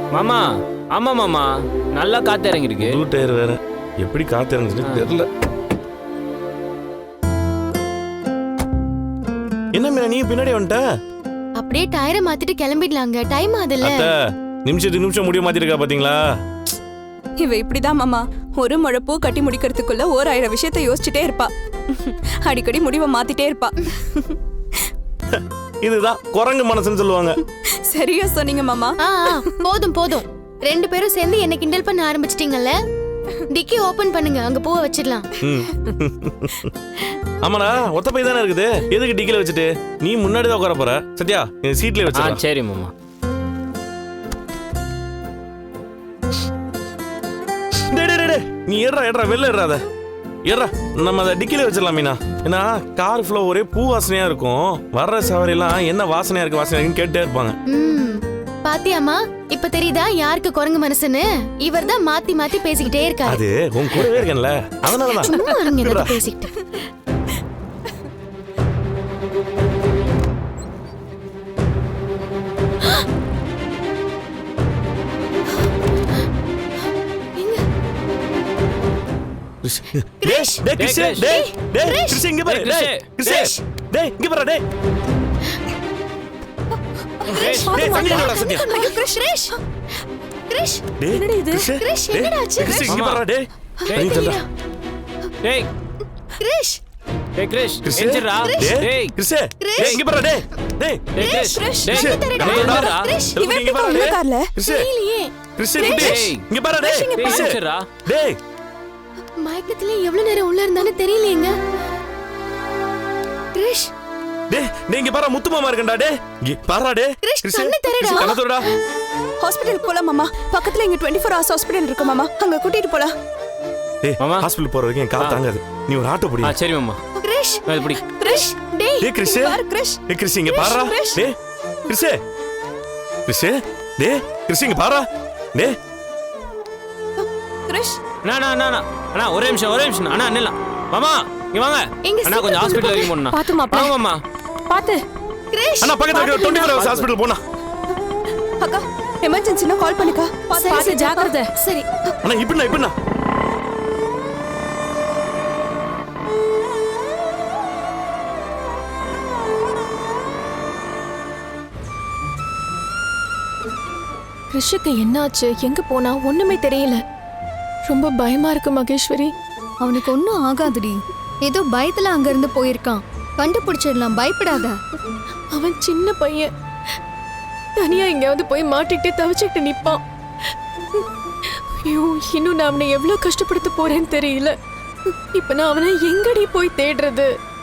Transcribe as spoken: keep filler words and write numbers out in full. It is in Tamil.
மாமா ஆமா மாமா நல்லா காத்து இறங்கிருக்கு. புது டயர் வேற, எப்படி காத்து இறங்குச்சுன்னு தெரியல. என்ன மீனா நீ பின்னாடி வந்துட்ட? அப்படியே டயரை மாத்திட்டு கிளம்பிடலாங்க, டைம் ஆகுதுல்ல. அத்தை நிமிஷத்துக்கு நிமிஷம் முடிய மாத்திருக்கா பாத்தீங்களா? இவ இப்படிதான் மாமா, ஒரு முழப்பூ கட்டி முடிக்கிறதுக்குள்ள ஓர் ஆயிரம் விஷயத்த யோசிச்சுட்டே இருப்பா. அடிக்கடி முடிவை மாத்திட்டே இருப்பா. இதுதான் குரங்கு மனசுன்னு சொல்லுவாங்க. சரியா சொன்னீங்க மாமா. ஆ ஆ, போதும் போதும், ரெண்டு பேரும் சேர்ந்து என்ன கிண்டல் பண்ண ஆரம்பிச்சிட்டீங்கல்ல. டிக்கி ஓபன் பண்ணுங்க, அங்க பூவை வச்சிடலாம். ஆமாடா, ஒத்த பை தானே இருக்குது, எதுக்கு டிக்கில வச்சுட்டு? நீ முன்னாடி தான் உட்கார போற. சத்யா சீட்ல வச்சு. சரி மாமா. நீ ஏறா ஏறா வெளில ஏறாத ஏறா, நம்ம அதை டிக்கில வச்சிடலாம் மீனா. ஏன்னா கார் ஃப்ளோ ஒரே பூ வாசனையா இருக்கும். வர்ற சவாரியெல்லாம் என்ன வாசனையா இருக்கு வாசனையா இருக்குன்னு கேட்டே இருப்பாங்க. ம், பாத்தியாமா, இப்ப தெரியுதா யாருக்கு குரங்கு மனசுன்னு? இவர் தான் மாத்தி மாத்தி பேசிக்கிட்டே இருக்காரு. அது உன் கூடவே இருக்கேன்ல, அதனாலதான். சும்மா இருங்க, ஏதாவது பேசிக்கிட்டு. கிரிஷ் டேய் கிரிஷ் டேய் டேய் கிரிஷ் இங்க பாரு டேய் கிரிஷ் டேய் இங்க பாரு டேய் கிரிஷ் டேய் சந்திரா சந்திரா ஐயோ கிரிஷ் கிரிஷ் கிரிஷ் என்னடி இது? கிரிஷ் என்னடா ஆச்சு? கிரிஷ் இங்க பாரு டேய் டேய் சந்திரா டேய் கிரிஷ் டேய் கிரிஷ் கிரிஷ் எந்திரா. டேய் கிரிஷ் டேய் இங்க பாரு டேய் டேய் டேய் கிரிஷ் கிரிஷ், டேய் கிரிஷ், டேய் எந்திரா. கிரிஷ் இவன் இங்க பாரு எப்படி டேய் கார்ல? கிரிஷ் தெரியலையே. கிரிஷ் டேய் இங்க பாரு டேய் கிரிஷ் எந்திரா. டேய் மயக்கத்துல எவ்வளவு நேரம் உள்ள இருந்தானே தெரியலையேங்க. கிரிஷ் டேய் டேய் இங்க பாரு முத்து மாமா இருக்கடா டேய் இங்க பாருடா டேய் கிரிஷ், கண்ணு தெரியடா. கண்ணு தரடா. ஹாஸ்பிடலுக்கு போலாம் மாமா. பக்கத்துல இங்க இருபத்தி நான்கு ஹவர்ஸ் ஹாஸ்பிடல் இருக்கு மாமா, அங்க கூட்டிட்டு போலாம். டேய் மாமா. ஹாஸ்பிடல் போற வரைக்கும் கால் தாங்காது, நீ ஒரு ஆட்டோ பிடி. ஆ சரி மாமா. கிரிஷ் அது பிடி. கிரிஷ் டேய் டேய் கிரிஷ் பாரு கிரிஷ். டேய் கிரிஷ் இங்க பாருடா கிரிஷ். டேய் கிரிஷ் கிரிஷ் டேய் கிரிஷ் இங்க பாருடா டேய் கிரிஷ் அண்ணா அண்ணா அண்ணா அண்ணா அண்ணா ஒரே நிமிஷம் ஒரே நிமிஷம் அண்ணா நில்லாம். மாமா இங்க வாங்க. எங்க அண்ணா கொஞ்சம் ஹாஸ்பிடல் வரைக்கும் போறேன். பாத்து மாப்ள. வாங்க மாமா. பாத்து. கிரிஷ் அண்ணா பக்கத்துல இருபத்தி நான்கு ஹவர்ஸ் ஹாஸ்பிடல் போனா. அக்கா எமர்ஜென்சினா கால் பண்ணிக்கா. பாத்து பாத்து ஜாக்கிரதை. சரி. அண்ணா இப்படிண்ணா இப்படிண்ணா. கிருஷுக்கு என்னாச்சு, எங்க போனா ஒண்ணுமே தெரியல. ரொம்ப பயமா இருக்கு மகேஸ்வரி. அவனுக்கு ஒன்றும் ஆகாதுடி, ஏதோ பயத்துல அங்க இருந்து போயிருக்கான், கண்டுபிடிச்சிடலாம், பயப்படாத. அவன் சின்ன பையன், தனியா எங்கேயாவது போய் மாட்டிக்கிட்டே தவிச்சுக்கிட்டு நிப்பான். ஐயோ, இன்னும் நான் அவனை எவ்வளவு கஷ்டப்படுத்த போறேன்னு தெரியல. இப்ப நான் அவனை எங்கடி போய் தேடுறது?